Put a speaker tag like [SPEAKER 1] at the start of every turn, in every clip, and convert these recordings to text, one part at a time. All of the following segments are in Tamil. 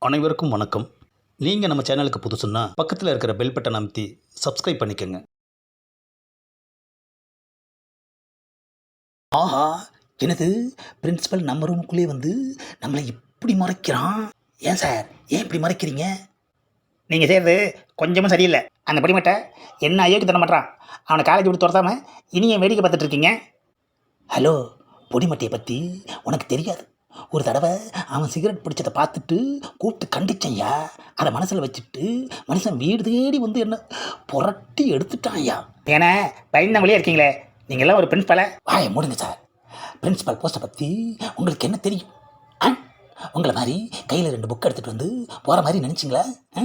[SPEAKER 1] அனைவருக்கும் வணக்கம். நீங்கள் நம்ம சேனலுக்கு புதுசுன்னா பக்கத்தில் இருக்கிற பெல் பட்டன் அமைத்தி சப்ஸ்கிரைப் பண்ணிக்கோங்க. ஆஹா, எனது பிரின்சிபல் நம்ம ரூமுக்குள்ளே வந்து நம்மளை இப்படி மறைக்கிறான். ஏன் சார், ஏன் இப்படி மறைக்கிறீங்க? நீங்கள் செய்கிறது கொஞ்சமும் சரியில்லை. அந்த படிமட்டை என்ன அயோக்கு தர மாட்டான். அவனை காலேஜ் விட்டு துரத்தாமல் இனியும் வேடிக்கை பார்த்துட்டு இருக்கீங்க. ஹலோ, பொடிமட்டையை பற்றி உனக்கு தெரியாது. ஒரு தடவை அவன் சிகரெட் பிடிச்சதை பார்த்துட்டு கூப்பிட்டு கண்டிச்சையா. அதை மனசில் வச்சுட்டு மனுஷன் வீடு தேடி வந்து என்ன புரட்டி எடுத்துட்டான் ஐயா. ஏன்னா பயந்தவங்களே இருக்கீங்களே, நீங்கள்லாம் ஒரு பிரின்ஸ்பலை வாய மூடுங்க சார். பிரின்ஸ்பல் போஸ்ட்டை பற்றி உங்களுக்கு என்ன தெரியும்? உங்களை மாதிரி கையில் 2 புக் எடுத்துகிட்டு வந்து போகிற மாதிரி நினச்சிங்களா?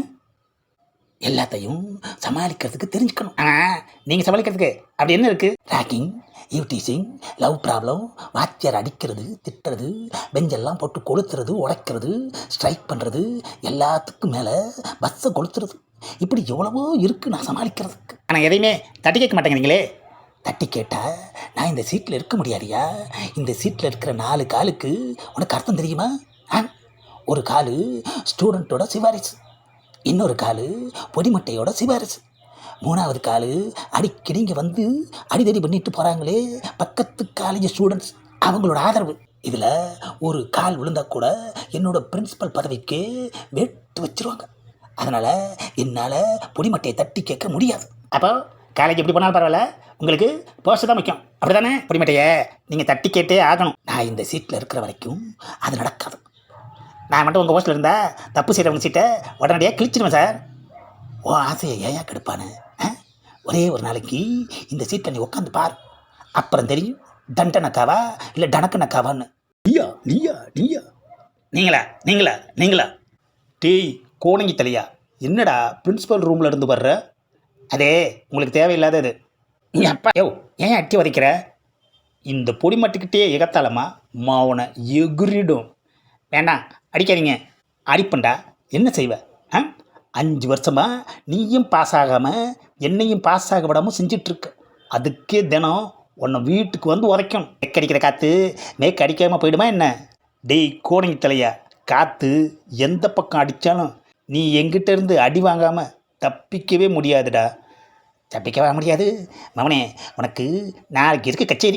[SPEAKER 1] எல்லாத்தையும் சமாளிக்கிறதுக்கு தெரிஞ்சுக்கணும். நீங்கள் சமாளிக்கிறதுக்கு அப்படி என்ன இருக்குது? ரேக்கிங், யூடிசிங், லவ் ப்ராப்ளம், வாத்தியார் அடிக்கிறது, திட்டுறது, பெஞ்செல்லாம் போட்டு கொளுத்துறது, உடைக்கிறது, ஸ்ட்ரைக் பண்ணுறது, எல்லாத்துக்கும் மேலே பஸ்ஸை கொளுத்துறது, இப்படி எவ்வளவோ இருக்குது நான் சமாளிக்கிறதுக்கு. ஆனால் எதையுமே தட்டி கேட்க மாட்டேங்கிறீங்களே. தட்டி கேட்டால் நான் இந்த சீட்டில் இருக்க முடியாதியா. இந்த சீட்டில் இருக்கிற 4 காலுக்கு உனக்கு அர்த்தம் தெரியுமா? ஒரு காலு ஸ்டூடெண்ட்டோட சிபாரிசு, இன்னொரு காலு பொடிமட்டையோட சிபாரிசு, 3வது காலு அடிக்கடி இங்கே வந்து அடிதடி பண்ணிட்டு போகிறாங்களே பக்கத்து காலேஜ் ஸ்டூடெண்ட்ஸ், அவங்களோட ஆதரவு. இதில் ஒரு கால் விழுந்தால் கூட என்னோடய பிரின்சிபல் பதவிக்கு வெட்டு வச்சுருவாங்க. அதனால் என்னால் பொடிமட்டையை தட்டி கேட்க முடியாது. அப்போ காலேஜ் எப்படி போனாலும் பரவாயில்ல, உங்களுக்கு போஸ்ட் தான் முக்கியம், அப்படி தானே? பொடிமட்டையை நீங்கள் தட்டி கேட்டே ஆகணும். நான் இந்த சீட்டில் இருக்கிற வரைக்கும் அது நடக்காது. நான் மட்டும் உங்கள் போஸ்ட்டில் இருந்தால் தப்பு செய்கிறவங்க சீட்டை உடனடியாக கிழிச்சிடுவேன் சார். ஓ ஆசையை ஏயா கெடுப்பானு? ஒரே ஒரு நாளைக்கு இந்த சீட்டில் நீ உட்காந்து பார், அப்புறம் தெரியும் தண்டனக்காவா இல்லை டனக்கனக்காவான்னு. நீயா நீயா நீயா நீங்களா நீங்களா நீங்களா டேய் கோணங்கி தலையா, என்னடா பிரின்சிபல் ரூமில் இருந்து வர்ற? அதே உங்களுக்கு தேவையில்லாதது. அப்பா யோ, ஏன் அட்டி வதைக்கிற? இந்த பொடிமட்டுக்கிட்டே எகத்தாலமா மாவனை எகிரிடும். வேண்டாம், அடிக்காதீங்க. அடிப்பண்டா, என்ன செய்வ? 5 வருஷமாக நீயும் பாஸ் ஆகாமல் என்னையும் பாஸ் ஆக விடாமல் செஞ்சிட்ருக்க. அதுக்கே தினம் உன்னை வீட்டுக்கு வந்து உதைக்கணும். மேற்கடிக்கிற காற்று மேற்கு அடிக்காமல் போயிடுமா என்ன? டேய் கோணங்கி தலையா, காற்று எந்த பக்கம் அடித்தாலும் நீ எங்கிட்ட இருந்து அடி வாங்காமல் தப்பிக்கவே முடியாதுடா. தப்பிக்கவே முடியாது மவனே, உனக்கு நாளைக்கு இருக்கு கச்சேரி.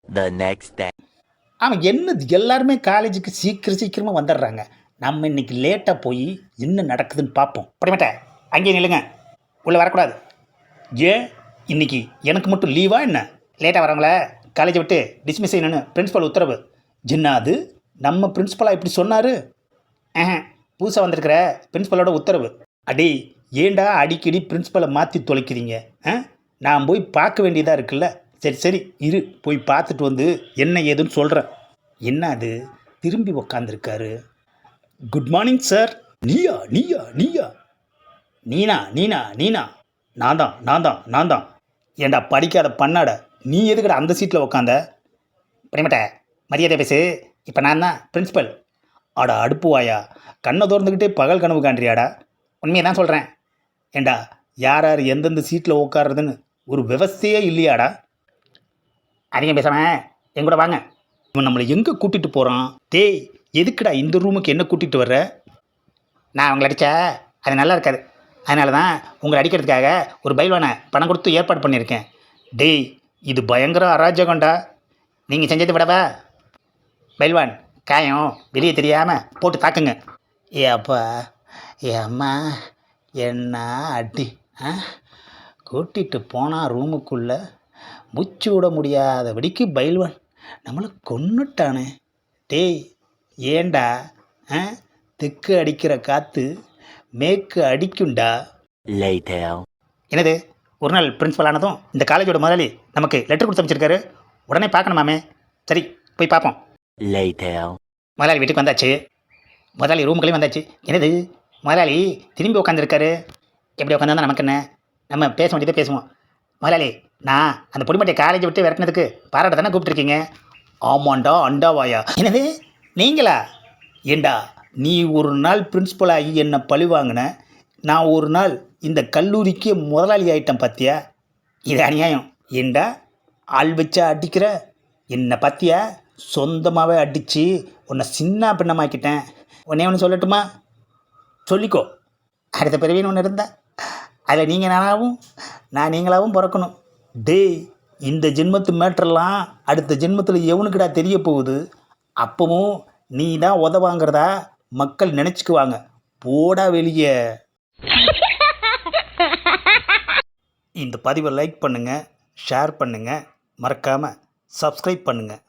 [SPEAKER 1] அவன் என்னது எல்லாருமே காலேஜுக்கு சீக்கிரமாக வந்துடுறாங்க. நம்ம இன்னைக்கு லேட்டாக போய் என்ன நடக்குதுன்னு பார்ப்போம். படிமாட்ட அங்கேயே நில்லுங்க, உள்ளே வரக்கூடாது. ஏன் இன்னைக்கு எனக்கு மட்டும் லீவா என்ன? லேட்டாக வரவங்கள காலேஜை விட்டு டிஸ்மிஸ் செய்யணும்னு பிரின்ஸ்பல் உத்தரவு. ஜின்னாது நம்ம பிரின்ஸ்பலாக இப்படி சொன்னார்? புதுசாக வந்திருக்கிற பிரின்ஸ்பலோட உத்தரவு. அடே ஏண்டா அடிக்கடி பிரின்ஸ்பலை மாற்றி தொலைக்கிறீங்க? நான் போய் பார்க்க வேண்டியதாக இருக்குல்ல. சரி சரி இரு, போய் பார்த்துட்டு வந்து என்ன ஏதுன்னு சொல்கிறேன். என்ன அது திரும்பி உக்காந்துருக்காரு? Good morning sir. நீயா நீயா நீயா நீனா நீனா நீனா நான் தான் நான் தான் நான் தான். ஏண்டா படிக்காத பண்ணாட, நீ எதுக்கடா அந்த சீட்டில் உக்காந்த? படிமட்ட மரியாதை பேசு, இப்போ நான் தான் பிரின்ஸ்பல். ஆடா அடுப்புவாயா, கண்ணை திறந்துக்கிட்டே பகல் கனவு காண்றியாடா? உண்மையை தான் சொல்கிறேன். ஏண்டா யார் யார் எந்தெந்த சீட்டில் உட்காருறதுன்னு ஒரு விவசாயே இல்லையாடா? அதிகம் பேசாமல் எங்கூட வாங்க. இவன் நம்மளை எங்கே கூட்டிகிட்டு போகிறான்? டேய் எதுக்குடா இந்த ரூமுக்கு என்ன கூட்டிகிட்டு வர்ற? நான் அவங்களை அடித்தா அது நல்லா இருக்காது, அதனால தான் உங்களை அடிக்கிறதுக்காக ஒரு பைல்வானை பணம் கொடுத்து ஏற்பாடு பண்ணியிருக்கேன். டேய் இது பயங்கர அராஜகம்டா, நீங்கள் செஞ்சதை விடவா? பைல்வான் காயம் வெளியே தெரியாமல் போட்டு தாக்குங்க. ஏ அப்பா, ஏ அம்மா, என்ன அடி! கூட்டிகிட்டு போனால் ரூமுக்குள்ளே மூச்சு விட முடியாதபடிக்கு பைல்வான் நம்மளை கொன்னுட்டானே. டேய் ஏண்டா தெற்கு அடிக்கிற காற்று மேற்கு அடிக்குண்டா. என்னது, ஒரு நாள் பிரின்ஸ்பல் ஆனதும் இந்த காலேஜோட முதலாளி நமக்கு லெட்டர் கொடுத்து அமைச்சிருக்காரு. உடனே பார்க்கணுமாமே. சரி போய் பார்ப்போம். முதலாளி வீட்டுக்கு வந்தாச்சு, முதலாளி ரூமுக்குள்ளேயும் வந்தாச்சு. என்னது முதலாளி திரும்பி உட்காந்துருக்காரு? எப்படி உட்காந்தா நமக்கு என்ன? நம்ம பேச வேண்டியதை பேசுவோம். முதலாளி, நான் அந்த பொடிமட்டையை காலேஜை விட்டு விரட்டினதுக்கு பாராட்ட தானே கூப்பிட்டுருக்கீங்க? ஆமாண்டா அண்டாவாயா. என்னது நீங்களா? ஏண்டா நீ ஒரு நாள் பிரின்ஸ்பல் ஆகி என்னை பழி வாங்கின, நான் ஒரு நாள் இந்த கல்லூரிக்கே முதலாளி ஆகிட்டேன் பார்த்தியா? இது அநியாயம். ஏண்டா ஆள் வச்சா அடிக்கிற? என்னை பார்த்தியா சொந்தமாகவே அடித்து உன்னை சின்ன பின்னமாக்கிட்டேன். உடனே ஒன்று சொல்லட்டுமா? சொல்லிக்கோ. அடுத்த பிறவின்னு ஒன்று இருந்தால் அதில் நீங்கள் நானாகவும் நான் நீங்களாகவும் பிறக்கணும். டேய், இந்த ஜென்மத்து மேட்டரெல்லாம் அடுத்த ஜென்மத்தில் எவனுக்குடா தெரிய போகுது? அப்பவும் நீ தான் உதவாங்கிறதா மக்கள் நினச்சிக்குவாங்க. போடா வெளியே. இந்த பதிவை லைக் பண்ணுங்கள், ஷேர் பண்ணுங்கள், மறக்காமல் சப்ஸ்கிரைப் பண்ணுங்கள்.